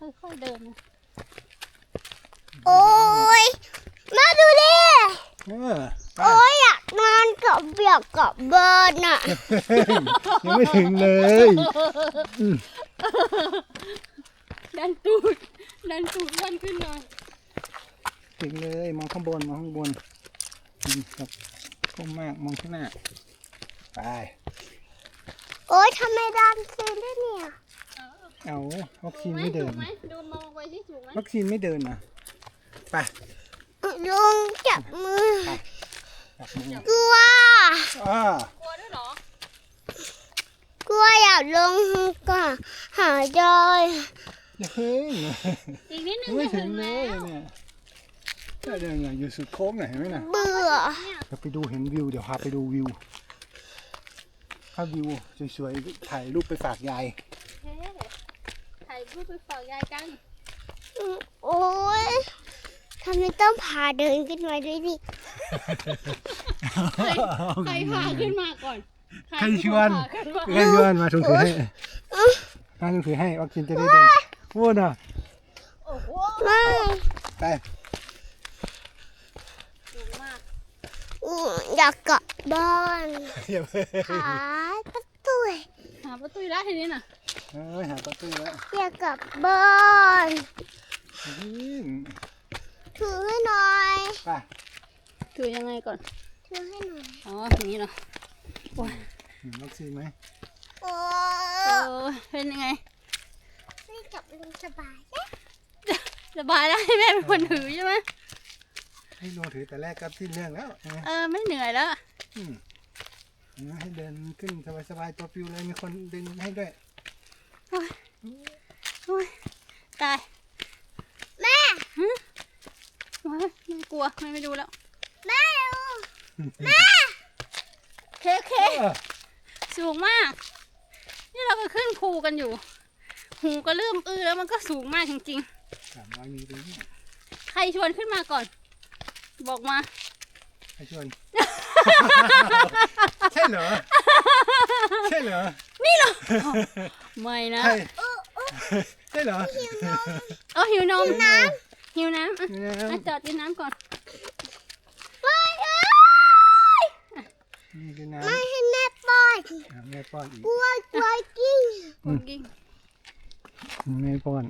ค่อยๆเดินโอ้ยมาดูดิไปโอ้ยอยากนอนกับเบียกกับเบิร์นอ่ะยังไม่ถึงเลยดันตูดดันขึ้นหน่อยถึงเลยมองข้างบนครับก้มมากมองข้างหน้าไปโอ้ยทำไมดันซีนได้เนี่ยเอาวัคซีนไม่เดินถูกไหมดูมองไปที่ถูกไหมวัคซีนไม่เดินนะไปลุงจับมือจับมือกลัวกลัวด้วยเหรอกลัวอยากลงก็หาจอยอย่าเพิ่งอีกนิดนึงไม่จะถึถึงงเลแล้ยว เนี่ยถ้าเดินอยู่สุดโค้งหน่อยเห็นไหมนะเบื่อเราไปดูเห็นวิวเดี๋ยวพาไปดูวิวถ้าวิวสวยๆถ่ายรูปไปฝากยายเฮ้ถ่ายรูปไปฝากยายกันโอ้ยทำไมต้องพาเดินขึ้นมาด้วยดิใครพาขึ้นมาก่อนใครชวนพาขึ้นมาใครชวนมาถุงถือให้มาถุงถือให้วัคซีนจะได้เดินพูดน่ะโอ้โหไม่ไปสูงมากอยากกลับบ้านอย่าเพิ่งหาประตูหาประตูได้ทีนี้น่ะหาประตูแล้วอยากกลับบ้าน ถือให้หน่อยไปถือยังไงก่อนถือให้หน่อยอ๋ออย่างนี้เนาะโอ้ยเห็นวัคซีนไหมโอ้เป็นยังไงนี่จับลุงสบายนะสบายแล้วให้แม่เป็นคนถือใช่ไหมให้ลงถือแต่แรกก็สิ้นเรื่องแล้วนะไม่เหนื่อยแล้วให้เดินขึ้นสบายๆตัวปิวเลยมีคนดึงให้ด้วยโอ้ยตายแม่โอ้ยไม่กลัวไม่ดูแล้วแม่ดูเคสูงมาก นี่เราก็ขึ้นภูกันอยู่ หูก็เริ่มแล้วมันก็สูงมากจริง 300 มีตรงนี้ๆ ใครชวนขึ้นมาก่อน บอกมาใครชวน ใช่เหรอ ใช่เหรอนี่เหรอ ไม่นะใช่ใช่เหรอหิวนมหิวน้ำอ่ะจอดกินน้ำก่อนไม่เอ้ยนี่คือน้ไม่ให้แม่ป้อนำแม่ป้อนอีกกลัวกิ้งกิ้งแม่ป้อน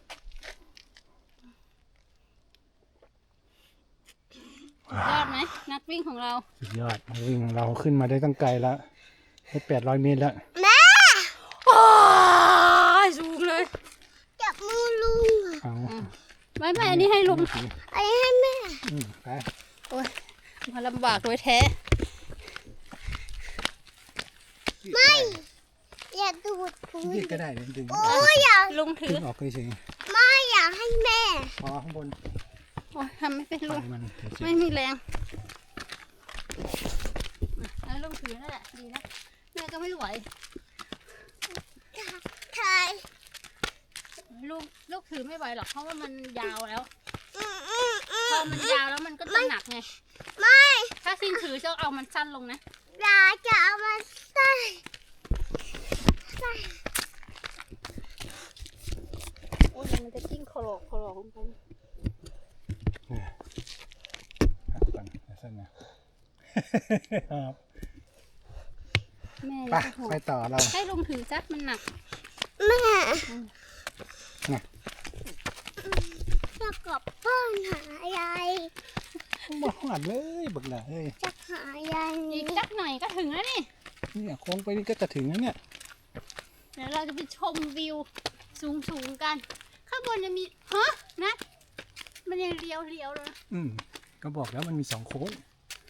ยอดไหมนักวิ่งของเราสุดยอดวิ่งเราขึ้นมาได้ตั้งไกลแล้วได้800 เมตรแล้วแม่สูงเลยจับมือลุงเอาไม่อันนี้ให้ลุงไอ้ให้แม่ไปโอ้ยมาลำบากโดยแท้ไม่อย่าดูดพุงยืดก็ได้ดึงโอ้ยอยากลุงถืดึองออกเฉยไม่อยากให้แม่ๆพอข้างบนโอ้ยทำไม่เป็นปล่ลุอง ยมันเฉไม่ยมีแรงแล้วลุงถือนั่นแหละดีนะแม่ก็ไม่ไหวทายลูกถือไม่ไหวหรอกเพราะว่ามันยาวแล้วพอมันยาวแล้วมันก็จะหนักไงไม่ถ้าซินถือจะเอามันสั้นลงนะอยากจะเอามาใส่โอ้ยมันจะกิ้งคลอกลงไปๆพักก่อนสั้นนะครับแม่ไปจะห่วงไปต่อเราให้ลุงถือจักมันหนักแม่น่ะจะกลับบ้านหายายมาหอดเลยบักหล่ะเฮ้ยจะหายายอีกจักหน่อยก็ถึงแล้วนี่เนี่ยโค้งไปนี่ก็จะถึงแล้วเนี่ยเดี๋ยวเราจะไปชมวิวสูงกัน ข้างบนจะมีนะมันยังเลี้ยวเลยนะก็บอกแล้วมันมี2 โค้ง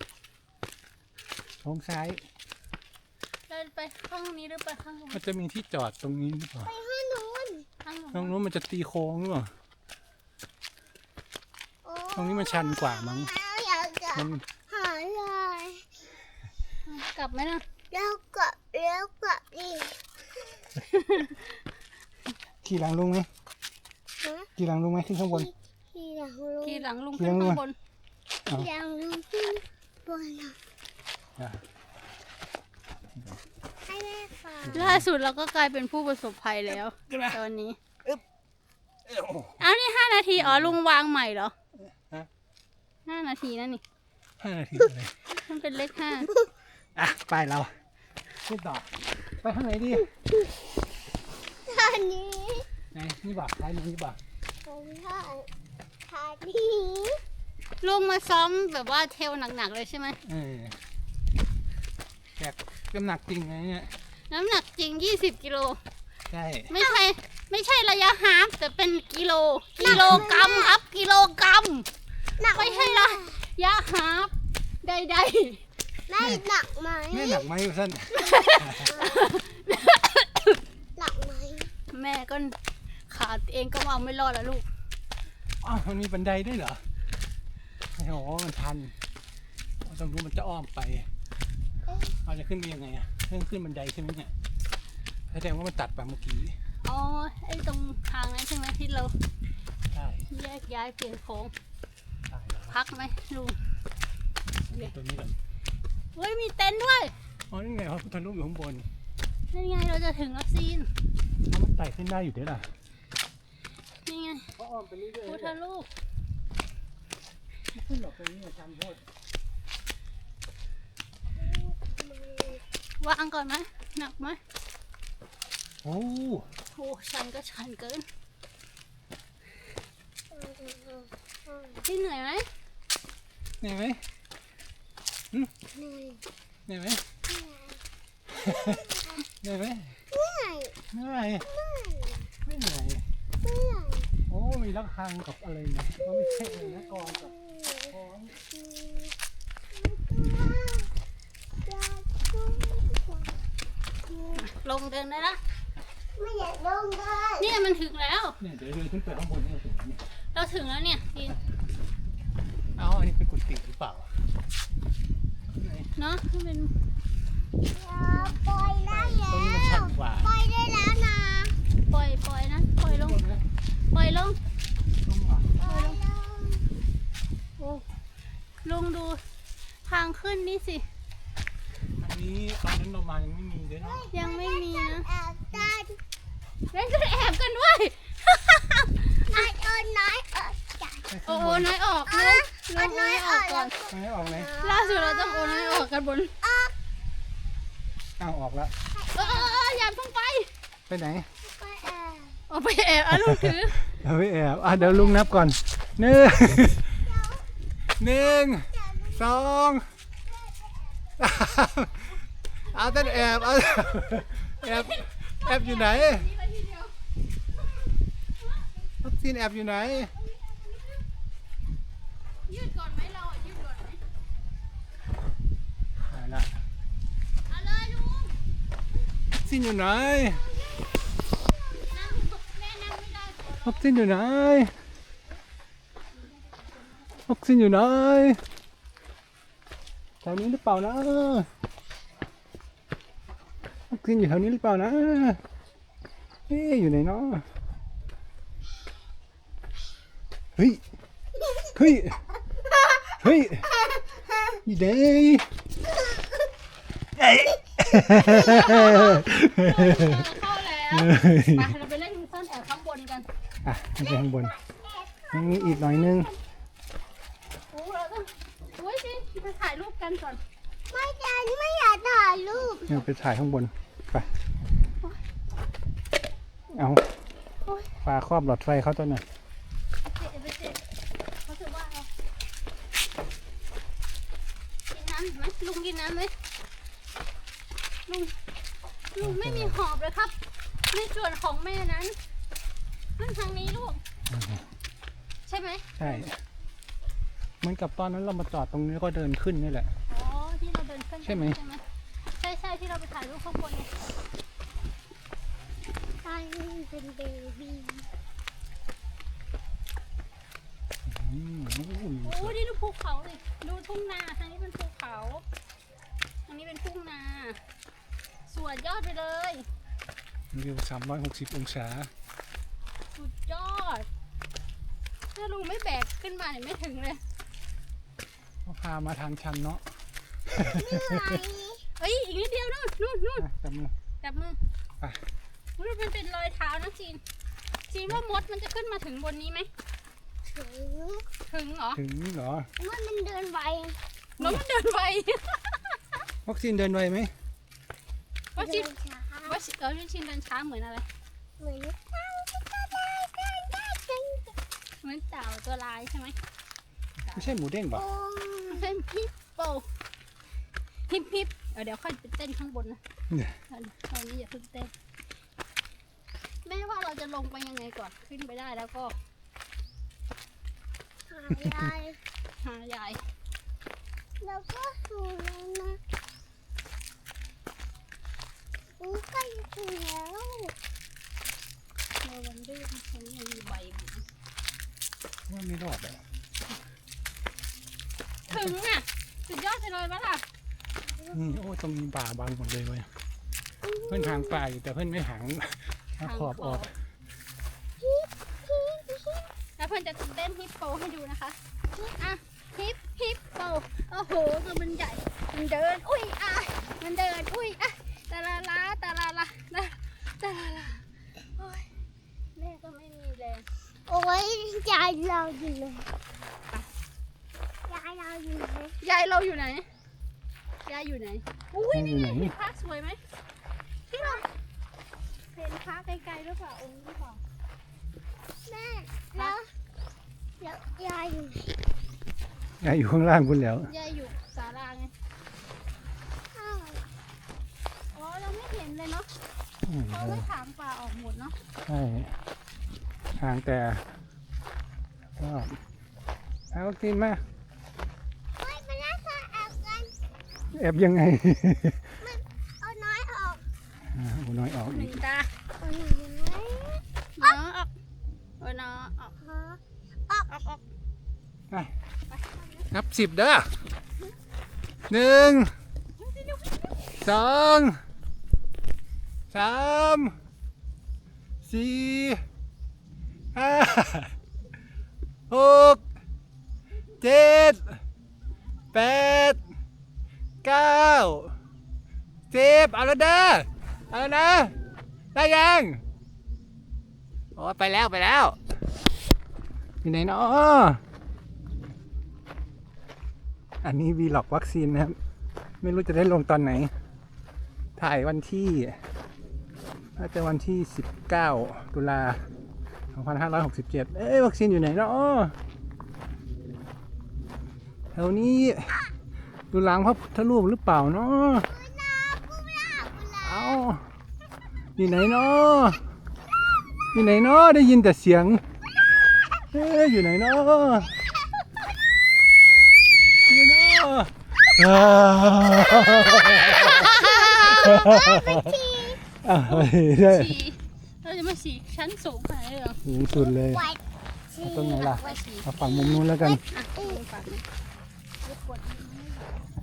โค้งซ้ายเราไปข้างนี้หรือไปข้างนู้นมันจะมีที่จอดตรงนี้หรือเปล่าไปห้างนู้นข้างนู้นตรงนู้นมันจะตีโค้งหรือเปล่า ตรงนี้มันชันกว่ามั้งอยากจะมันหายายกลับไหมนะแล้วกลับดิขี่หลังลุงไหมฮะขี่หลังลุงไหมขึ้นข้างบนที่หลังลุงทีหลังลุงขึ้นข้างบนที่หลังลุงขึ้นบนอ่ะให้แม่ฟังล่าสุดเราก็กลายเป็นผู้ประสบภัยแล้ว ตอนนี้เอานี่5 นาทีอ๋อลุงวางใหม่เหรอฮะ 5 นาทีนั่นนี่ 5 นาทีเลยมันเป็นเลข5 อ่ะไปเราขึ้นต่อไปข้างไหนดีท่านี้ไหนนี่บ่าท้ายนี้บ่าท่านี้ลุงมาซ้อมแบบว่าเทลหนักๆเลยใช่ไหมแบกน้ำหนักจริงไงเนี่ยน้ำหนักจริง20 กิโลใช่ไม่ใช่ระยะฮาล์ฟแต่เป็นกิโลกรัมครับกิโลกรัมหนักไม่ใช่ระยะฮาล์ฟใดไม่หนักไหมไม่หนักไหมสั้นหนักไหมๆ แม่ก็ขาเองก็เอาไม่รอดแล้วลูกอ้าวมันมีบันไดด้วยเหรอโอ้โหมันทันต้องรู้มันจะอ้อมไปเราจะขึ้นไปยังไงอ่ะขึ้นบันไดใช่ไหมเนี่ยแสดงว่ามันตัดไปเมื่อกี้อ๋อไอ้ตรงทางนั้นใช่ไหมที่เราใช่แยกย้ายเปลี่ยนโค้งใช่แล้วพักไหมลุงตัวนี้ก่อนเฮ้ยมีเต็นท์ด้วยอ๋อนี่ไงพระพุทธรูปอยู่ข้างบนนี่ไงเราจะถึงแล้วซีนมันไต่ขึ้นได้อยู่ด้วยล่ะนี่ไงก็อ้อมไปเรื่อยพุทธรูปๆขึ้นหลบตรงนี้ชันโทษวางก่อนไหมหนักไหมโอ้โอ้ชันก็ชันเกินพี่เหนื่อยไหมเหนื่อยไหมเหนื่อยเหนื่อยไหมเหนื่อยไหมเหนื่อยเหนื่อยไม่เหนื่อยเหนื่อยโอ้มีระฆังกับอะไรนะก็ไม่ใช่เลยนะกองกับกองลงเดินได้ละไม่อยากลงเลยเนี่ยมันถึงแล้วเนี่ยเดี๋ยวเดินขึ้นไปข้างบนนี่ถึงนี่เราถึงแล้วเนี่ยซีนเอ้าอันนี้เป็นกุฏิหรือเปล่าไหนเนาะมันเป็นปล่อยได้ตรงนี้มันชันกว่าปล่อยได้แล้วนะปล่อยนะปล่อยลงปล่อยลงตรงเหรอปล่อยลงโอ้ลุงดูทางขึ้นนี่สิอันนี้ตอนนั้นเรามายังไม่มีเลยเนาะยังไม่มีนะแอบได้เล่นกันแอบกันด้วยไอ้เอิญน้อยจ่ายโอ้โหน้อยออกลุงลุงน้อยออกก่อนไม่ออกเลยล่าสุดเราต้องโอนน้อยออกกันบนอ้าวออกแล้วอย่าเพิ่งไปไปไหนไปแอบออกไปแอบลูกถือเอาไปแอบเดี๋ยวลุงนับก่อนหนึ่ง 1 2 3เอาต้นแอบแอบอยู่ไหนวัคซีนแอบอยู่ไหนยืดก่อนไหมเราอ่ะยืดก่อนไหมเอาละเอาเลยลุงวัคซีนอยู่ไหนนั่งแม่นั่งไม่ได้ก่อนวัคซีนอยู่ไหนวัคซีนอยู่ไหนแถวนี้หรือเปล่านะวัคซีนอยู่แถวนี้หรือเปล่านะเอ๊ะอยู่ไหนเนาะเฮ้ยเฮ้ยเฮ้ยอยู่ไหนเอ้ยเข้าแล้วไปเราไปเล่นซ่อนแอบข้างบนกันอ่ะขึ้นไปข้างบนยังมีอีกหน่อยนึงโอ้เราต้องโอ้ยสิไปถ่ายรูปกันก่อนไม่จันไม่อยากถ่ายรูปเนี่ยไปถ่ายข้างบนไปเอาปลาครอบหลอดไฟเขาตัวหน่อยไปเจ็บเขาถือว่าเรากินน้ำไหมลุงกินน้ำไหมลุงไม่มีหอบเลยครับ ในส่วนของแม่นั้นนั่นทางนี้ลูก ใช่ไหมใช่เหมือนกับตอนนั้นเรามาจอดตรงนี้แล้วก็เดินขึ้นนี่แหละอ๋อที่เราเดินขึ้นใช่ไหมใช่ที่เราไปถ่ายรูปข้างบนไงตอนนี้เป็นเบบี้โอ้โหโอ้นี่ดูภูเขาเลยดูทุ่งนาทางนี้เป็นภูเขาทางนี้เป็นทุ่งนาสวยยอดไปเลยวิว360 องศาสุดยอดถ้าลุงไม่แบกขึ้นมาเนี่ยไม่ถึงเลยเขาพามาทางชันเนาะเอ้ยอีกนิดเดียวนู่นอ่ะจับมือจับมือไปมันเป็นรอยเท้านะจีนจีว่ามดมันจะขึ้นมาถึงบนนี้ไหมถึงถึงเหรอถึงเหรอว่ามันเดินไวน้องมันเดินไววัคซีนเดินไวไหมว่าชินเดินช้าว่าชินชินเดินช้าเหมือนอะไรเหมือนเต่าเหมือนเต่าตัวลายใช่ไหมไม่ใช่หมูเด้งป่ะโอ้เป็นฮิปโปฮิปเดี๋ยวค่อยไปเต้นข้างบนนะเนี่ยตอนนี้อย่าเพิ่งเต้นแม่ว่าเราจะลงไปยังไงก่อนขึ้นไปได้แล้วก็หายายหายายแล้วก็สูงแล้วนะอู้ใกล้จะถึงแล้วเมื่อวันดื้อมันยังมีใบอยู่นะว่าไม่รอดอ่ะถึงอ่ะสุดยอดไปเลยปะล่ะนี่โอ้ตรงนี้ป่าบางหมดเลยเว้ยเพื่อนหางป่าอยู่แต่เพื่อนไม่หางเอาขอบออกแล้วเพื่อนจะเต้นฮิปโปให้ดูนะคะอ่ะฮิปโปโอ้โหตัวมันใหญ่มันเดินอุ้ยอ่ะมันเดินอุ้ยอ่ะตาลาลาตาลาลาตาลาลาโอ้ยแม่ก็ไม่มีแรงโอ้ยยายเราอยู่ไหนยายเราอยู่ไหนยายเราอยู่ไหนยายอยู่ไหนอุ้ยนี่ไงเห็นพระสวยไหมที่เราเห็นพระไกลๆหรือเปล่าองค์หรือเปล่าแม่แล้วยายอยู่ไหนยายอยู่ข้างล่างคุณแล้วยายอยู่ศาลาไงอ้าวอ๋อเราไม่เห็นเลยเนาะเขาไม่ถางป่าออกหมดเนาะใช่ห่างแต่ก็เอาวัคซีนมาเฮ้ยมาแล้วค่ะแอบกันแอบยังไงเอาน้อยออกโอ้น้อยออกหอีนึ่กงตาเอาน้อยน้อออกเออน้อออกฮะออกไปนับ10เด้อ1 2 3 4 5 6 7 8 9 10เอาแล้วเด้อเอาแล้วนะได้ยังโอ้ไปแล้วอยู่ไหนเนาะอันนี้วีล็อกวัคซีนนะครับไม่รู้จะได้ลงตอนไหนถ่ายวันที่น่าจะวันที่19 ตุลา2567วัคซีนอยู่ไหนเนาะแถวนี้ดูหลังพระพุทธรูปหรือเปล่าเนาะเอาอยู่ไหนเนาะอยู่ไหนเนาะได้ยินแต่เสียงอยู่ไหนเนาะอยู่เนาะได้ฉี่เราจะมาฉี่ชั้นสูงขนาดนี้เหรอสูงสุดเลยไว้เอาตรงไหนล่ะไว้ฉี่เอาฝั่งมุมนู้นแล้วกันอ่ะดูฝั่งนี้